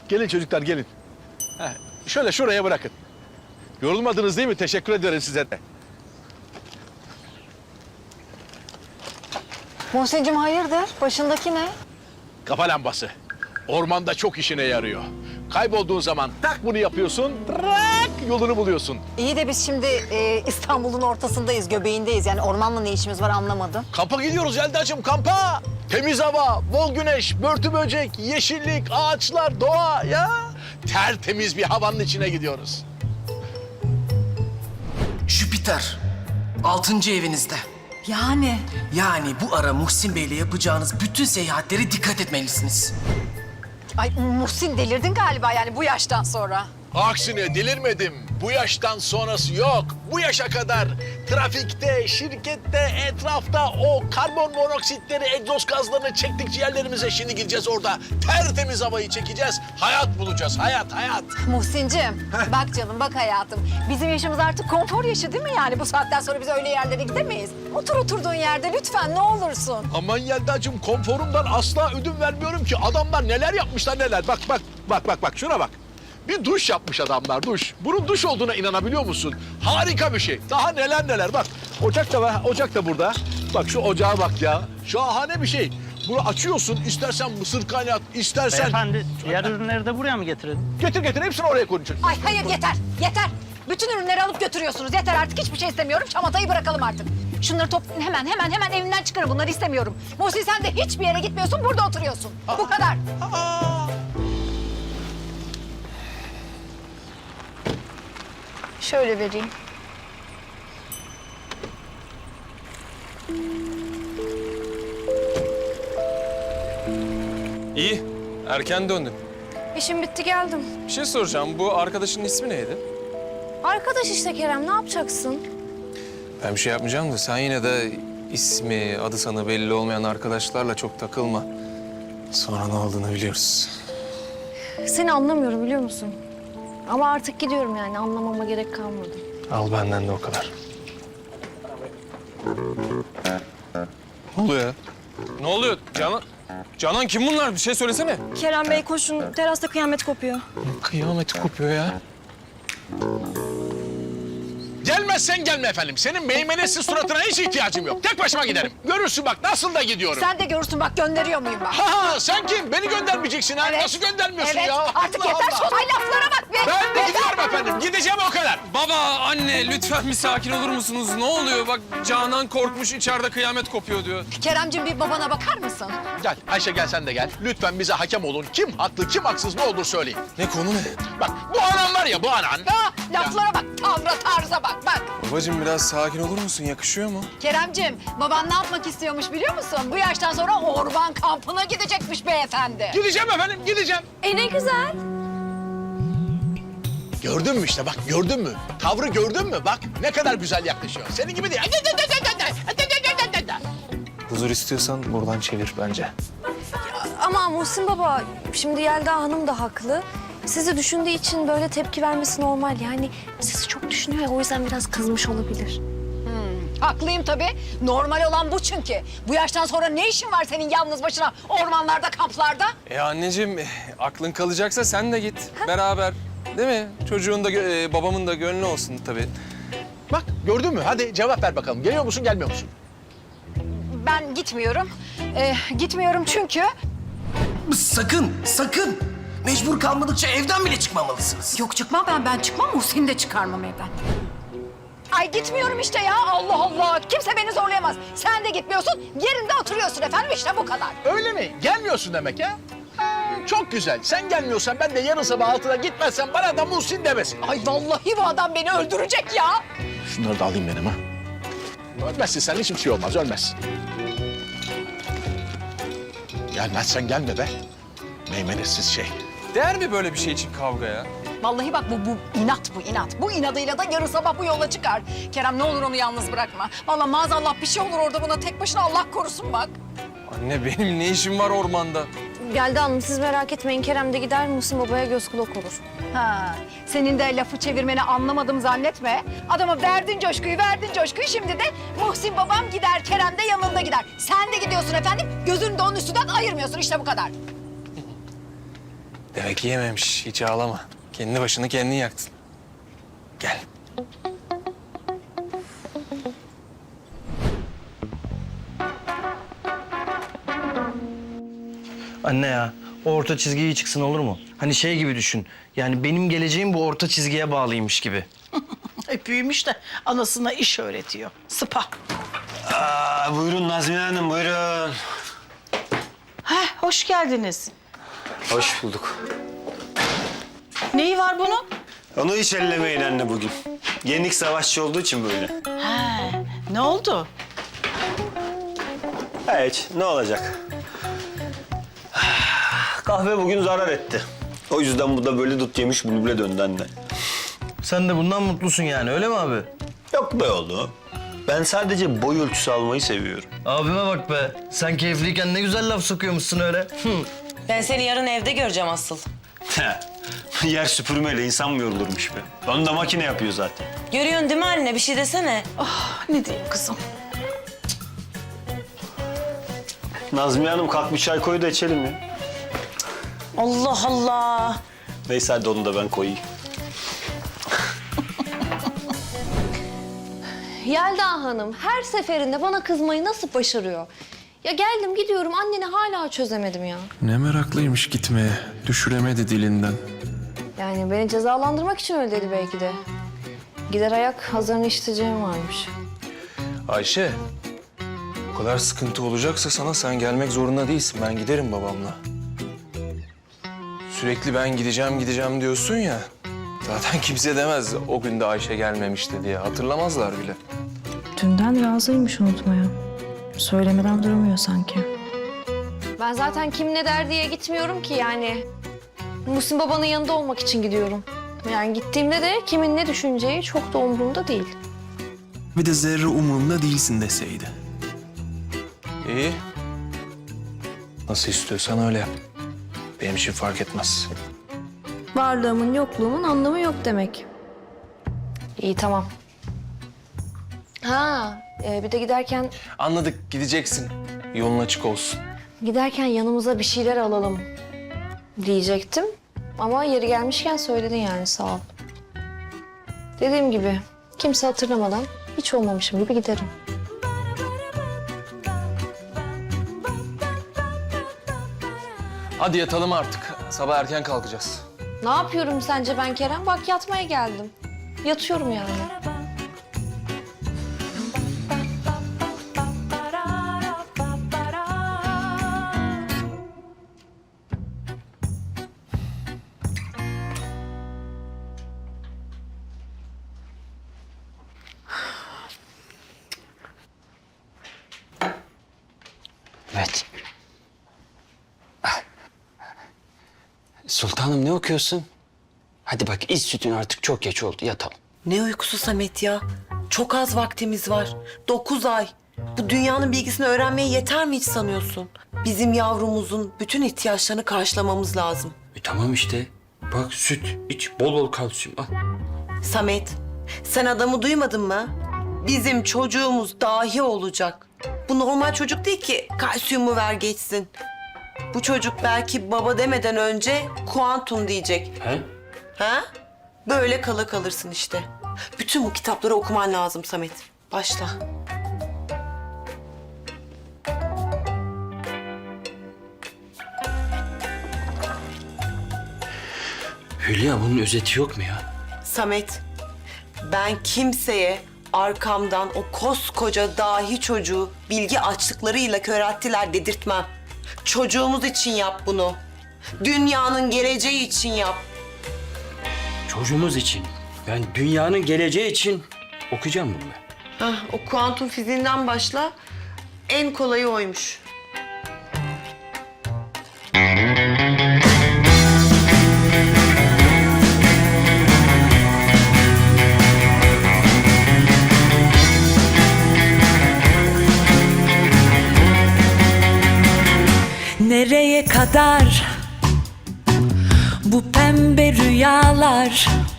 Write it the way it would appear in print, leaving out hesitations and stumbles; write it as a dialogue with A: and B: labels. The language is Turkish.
A: Gelin çocuklar gelin. Heh, şöyle şuraya bırakın. Yorulmadınız değil mi? Teşekkür ederim size de.
B: Muhsin'cim hayırdır? Başındaki ne?
A: Kafa lambası. Ormanda çok işine yarıyor. Kaybolduğun zaman tak bunu yapıyorsun, trak yolunu buluyorsun.
B: İyi de biz şimdi İstanbul'un ortasındayız, göbeğindeyiz. Yani ormanla ne işimiz var anlamadım.
A: Kampa gidiyoruz Yelda'cığım, kampa. Temiz hava, bol güneş, börtü böcek, yeşillik, ağaçlar, doğa ya. Tertemiz bir havanın içine gidiyoruz.
C: Jüpiter, 6. evinizde.
B: Yani?
C: Yani bu ara Muhsin Bey'le yapacağınız bütün seyahatlere dikkat etmelisiniz.
B: Ay Muhsin delirdin galiba yani bu yaştan sonra.
A: Aksine delirmedim. Bu yaştan sonrası yok. Bu yaşa kadar trafikte, şirkette, etrafta o karbon monoksitleri, egzoz gazlarını çektik ciğerlerimize. Şimdi gideceğiz orada. Tertemiz havayı çekeceğiz. Hayat bulacağız. Hayat, hayat.
B: Muhsin'cim bak canım bak hayatım. Bizim yaşımız artık konfor yaşı değil mi yani? Bu saatten sonra biz öyle yerlere gidemeyiz. Otur oturduğun yerde lütfen ne olursun.
A: Aman Yelda'cığım, konforumdan asla ödün vermiyorum ki. Adamlar neler yapmışlar neler. Bak şuna bak. Bir duş yapmış adamlar, duş. Bunun duş olduğuna inanabiliyor musun? Harika bir şey. Daha neler. Bak ocak da var, ocak da burada. Bak şu ocağa bak ya. Şahane bir şey. Bunu açıyorsun, istersen mısır kaynat, istersen...
D: Beyefendi, diğer ürünleri de buraya mı getirelim?
A: Getir, hepsini oraya koyun.
B: Ay hayır yeter. Bütün ürünleri alıp götürüyorsunuz. Yeter artık hiçbir şey istemiyorum. Şamatayı bırakalım artık. Şunları toplayın hemen evinden çıkarın. Bunları istemiyorum. Muhsin sen de hiçbir yere gitmiyorsun. Burada oturuyorsun. Bu kadar. Şöyle vereyim.
E: İyi, erken döndün.
F: İşim bitti geldim.
E: Bir şey soracağım, bu arkadaşının ismi neydi?
F: Arkadaş işte Kerem, ne yapacaksın?
E: Ben bir şey yapmayacağım da sen yine de ismi, adı sana belli olmayan arkadaşlarla çok takılma. Sonra ne olduğunu biliyoruz.
F: Seni anlamıyorum biliyor musun? Ama artık gidiyorum yani, anlamama gerek kalmadı.
E: Al benden de o kadar. Ne oluyor ya? Ne oluyor Canan? Canan kim bunlar? Bir şey söylesene.
F: Kerem Bey koşun, terasta kıyamet kopuyor.
E: Kıyameti kopuyor ya.
A: Gelmezsen gelme efendim. Senin meymenetsiz suratına hiç ihtiyacım yok. Tek başıma giderim. Görürsün bak nasıl da gidiyorum.
B: Sen de görürsün bak gönderiyor muyum bak.
A: Ha sen kim? Beni göndermeyeceksin ha. Nasıl göndermiyorsun
B: evet.
A: ya?
B: Artık
A: Allah
B: yeter
A: Allah.
B: şu laflara bak be.
A: Ben de gidiyorum efendim. Gideceğim o kadar.
E: Baba, anne lütfen bir sakin olur musunuz? Ne oluyor? Bak Canan korkmuş, içeride kıyamet kopuyor diyor.
B: Keremciğim bir babana bakar mısın?
A: Gel Ayşe, gel sen de gel. Lütfen bize hakem olun. Kim haklı, kim haksız ne olur söyleyin.
E: Ne konu ne?
A: Bak bu anan var ya, bu anan.
B: Ha, laflara bak, tarza bak.
E: Babacığım biraz sakin olur musun? Yakışıyor mu?
B: Keremciğim, baban ne yapmak istiyormuş biliyor musun? Bu yaştan sonra orman kampına gidecekmiş beyefendi.
A: Gideceğim efendim, gideceğim.
F: Ne güzel.
A: Gördün mü işte bak, gördün mü? Tavrı gördün mü? Bak ne kadar güzel yaklaşıyor. Senin gibi değil.
E: Huzur istiyorsan buradan çevir bence.
F: Ama Muhsin baba, şimdi Yelda Hanım da haklı. Sizi düşündüğü için böyle tepki vermesi normal. Yani sizi çok düşünüyor ya, o yüzden biraz kızmış olabilir.
B: Haklıyım tabii. Normal olan bu çünkü. Bu yaştan sonra ne işin var senin yalnız başına ormanlarda, kamplarda?
E: Anneciğim aklın kalacaksa sen de git beraber. Değil mi? Çocuğun da babamın da gönlü olsun tabii.
A: Bak gördün mü? Hadi cevap ver bakalım. Geliyor musun, gelmiyor musun?
B: Ben gitmiyorum. Gitmiyorum çünkü...
C: Sakın. Mecbur kalmadıkça evden bile çıkmamalısınız.
B: Yok çıkmam ben çıkmam. Muhsin'i de çıkarmam evden. Ay gitmiyorum işte ya. Allah Allah. Kimse beni zorlayamaz. Sen de gitmiyorsun. Yerinde oturuyorsun efendim. İşte bu kadar.
A: Öyle mi? Gelmiyorsun demek ya. Çok güzel. Sen gelmiyorsan ben de yarın sabah 6'da gitmezsem bana da Muhsin demesin.
B: Ay vallahi bu adam beni öldürecek ya.
A: Şunları da alayım benim ha. Ölmezsin sen, hiçbir şey olmaz, ölmezsin. Gelmezsen gelme be. Meymenetsiz şey.
E: Değer mi böyle bir şey için kavgaya?
B: Vallahi bak bu inat. Bu inadıyla da yarın sabah bu yola çıkar. Kerem ne olur onu yalnız bırakma. Vallahi maazallah bir şey olur orada buna tek başına Allah korusun bak.
E: Anne benim ne işim var ormanda?
F: Yelda Hanım siz merak etmeyin, Kerem de gider Muhsin babaya göz kulak olur.
B: Ha, senin de lafı çevirmeni anlamadım zannetme. Adama verdin coşkuyu şimdi de Muhsin babam gider, Kerem de yanında gider. Sen de gidiyorsun efendim, gözünü de onun üstünden ayırmıyorsun işte bu kadar.
E: Demek ki yememiş. Hiç ağlama. Kendi başını kendin yaktın. Gel.
D: Anne ya, o orta çizgi iyi çıksın olur mu? Hani şey gibi düşün. Yani benim geleceğim bu orta çizgiye bağlıymış gibi.
G: Büyümüş de anasına iş öğretiyor. Sıpa.
H: Buyurun Nazmiye Hanım, buyurun.
G: Hoş geldiniz.
H: Hoş bulduk.
G: Neyi var bunun?
H: Onu hiç ellemeyin anne bugün. Yenik savaşçı olduğu için böyle.
G: Ne oldu?
H: Hiç, ne olacak? Kahve bugün zarar etti. O yüzden bu da böyle dut yemiş bülbüle döndü anne.
D: Sen de bundan mutlusun yani öyle mi abi?
H: Yok be oğlum. Ben sadece boy ölçüsü almayı seviyorum.
D: Abime bak be. Sen keyifliyken ne güzel laf sokuyormuşsun öyle.
I: Ben seni yarın evde göreceğim asıl.
H: Yer süpürmeyle insan mı yorulurmuş be? Onu da makine yapıyor zaten.
I: Görüyorsun değil mi anne? Bir şey desene.
G: Ne diyeyim kızım?
H: Nazmiye Hanım kalk bir çay koy da içelim ya.
I: Allah Allah.
H: Neyse hadi onu da ben koyayım.
F: Yelda Hanım her seferinde bana kızmayı nasıl başarıyor? Ya geldim gidiyorum anneni hala çözemedim ya.
E: Ne meraklıymış gitmeye. Düşüremedi dilinden.
F: Yani beni cezalandırmak için öyle dedi belki de. Gider ayak hazırını işiteceğim varmış.
E: Ayşe, o kadar sıkıntı olacaksa sana sen gelmek zorunda değilsin. Ben giderim babamla. Sürekli ben gideceğim diyorsun ya. Zaten kimse demez o gün de Ayşe gelmemişti diye. Hatırlamazlar bile.
J: Dünden razıymış unutmaya. Söylemeden duramıyor sanki.
F: Ben zaten kim ne der diye gitmiyorum ki yani. Muhsin babanın yanında olmak için gidiyorum. Yani gittiğimde de kimin ne düşüneceği çok da umurumda değil.
E: Bir de zerre umurumda değilsin deseydi. İyi. Nasıl istiyorsan öyle yap. Benim için fark etmez.
F: Varlığımın yokluğumun anlamı yok demek. İyi tamam. Bir de
E: Anladık, gideceksin. Yolun açık olsun.
F: giderken yanımıza bir şeyler alalım diyecektim. Ama yeri gelmişken söyledin yani sağ ol. Dediğim gibi kimse hatırlamadan hiç olmamışım gibi giderim.
E: Hadi yatalım artık. Sabah erken kalkacağız.
F: Ne yapıyorum sence ben Kerem? Bak yatmaya geldim. Yatıyorum yani.
K: Evet. Sultanım ne okuyorsun? Hadi bak iç sütün artık çok geç oldu yatalım.
I: Ne uykusu Samet ya? Çok az vaktimiz var. 9 ay. Bu dünyanın bilgisini öğrenmeye yeter mi hiç sanıyorsun? Bizim yavrumuzun bütün ihtiyaçlarını karşılamamız lazım.
K: Tamam işte. Bak süt iç bol bol kalsiyum al.
I: Samet, sen adamı duymadın mı? Bizim çocuğumuz dahi olacak. Bu normal çocuk değil ki kalsiyumu ver geçsin. Bu çocuk belki baba demeden önce kuantum diyecek.
K: He?
I: Ha? Böyle kala kalırsın işte. Bütün bu kitapları okuman lazım Samet. Başla.
K: Hülya bunun özeti yok mu ya?
I: Samet, ben kimseye arkamdan o koskoca dahi çocuğu bilgi açlıklarıyla körelttiler dedirtmem. Çocuğumuz için yap bunu. Dünyanın geleceği için yap.
K: Çocuğumuz için. Ben dünyanın geleceği için okuyacağım bunu ben.
I: Hah, o kuantum fiziğinden başla. En kolayı oymuş.
J: Nereye kadar bu pembe rüyalar?